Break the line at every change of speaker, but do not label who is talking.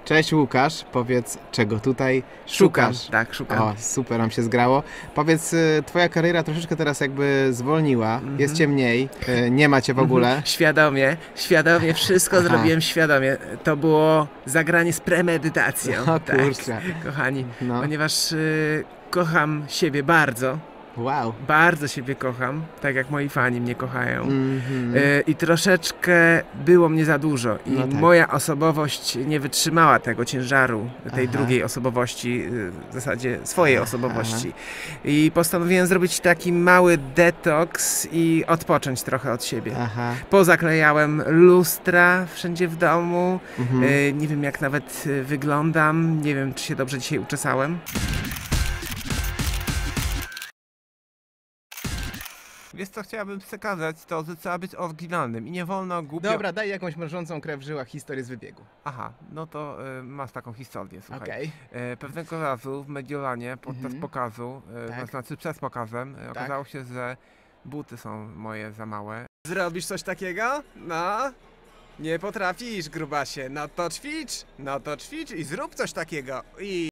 Cześć Łukasz, powiedz, czego tutaj szukasz?
Tak, szukam.
O, super nam się zgrało. Powiedz, twoja kariera troszeczkę teraz jakby zwolniła, jest cię mniej, nie ma cię w ogóle.
Świadomie, wszystko zrobiłem świadomie. To było zagranie z premedytacją.
O
tak,
kurczę.
kochani,
No.
ponieważ kocham siebie bardzo.
Wow.
Bardzo siebie kocham, tak jak moi fani mnie kochają.
Mhm.
I troszeczkę było mnie za dużo. I
No tak.
moja osobowość nie wytrzymała tego ciężaru, tej
Aha.
drugiej osobowości, w zasadzie swojej osobowości. I postanowiłem zrobić taki mały detoks i odpocząć trochę od siebie.
Aha.
Pozaklejałem lustra wszędzie w domu.
Mhm.
Nie wiem, jak nawet wyglądam. Nie wiem, czy się dobrze dzisiaj uczesałem. Wiesz co, chciałabym przekazać to, że trzeba być oryginalnym i nie wolno głupio...
Dobra, daj jakąś mrożącą krew w żyłach historię z wybiegu.
Aha, no to masz taką historię, słuchaj.
Okej.
Pewnego razu w Mediolanie podczas pokazu,
Tak.
to znaczy przed pokazem, okazało się, że buty są moje za małe. Zrobisz coś takiego? No? Nie potrafisz, grubasie. No to ćwicz i zrób coś takiego.